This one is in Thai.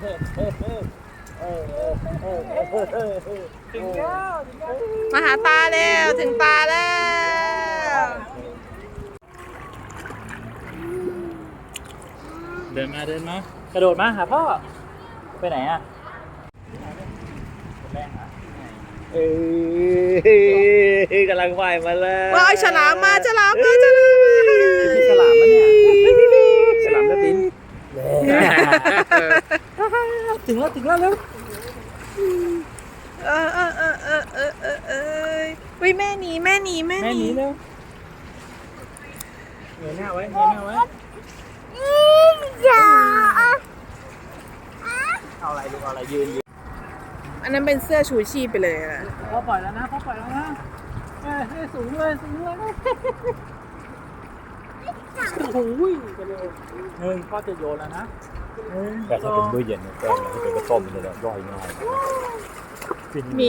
ถึงแล้วมาหาตาแล้วถึงตาแล้วเดินมากระโดดมาหาพ่อไปไหนอ่ะแรงอ่ะกำลังว่ายมาแล้วว้ายฉลามมาฉลามมาฉลามมาเนี่ยฉลามจะบินถึงแล้วเร็ววิแม่หนีแม่หนีเร็วเงยหน้าไว้เอาอะไรยืนอันนั้นเป็นเสื้อชูชีพไปเลยนะพ่อปล่อยแล้วนะสูงเลยโอ้โหไปเร็วพ่อจะโยนแล้วนะแต่ถ้าเป็นมื้อเย็นเนี่ยก็ถ้าเป็นกระต้มมันจะย่อยง่ายมี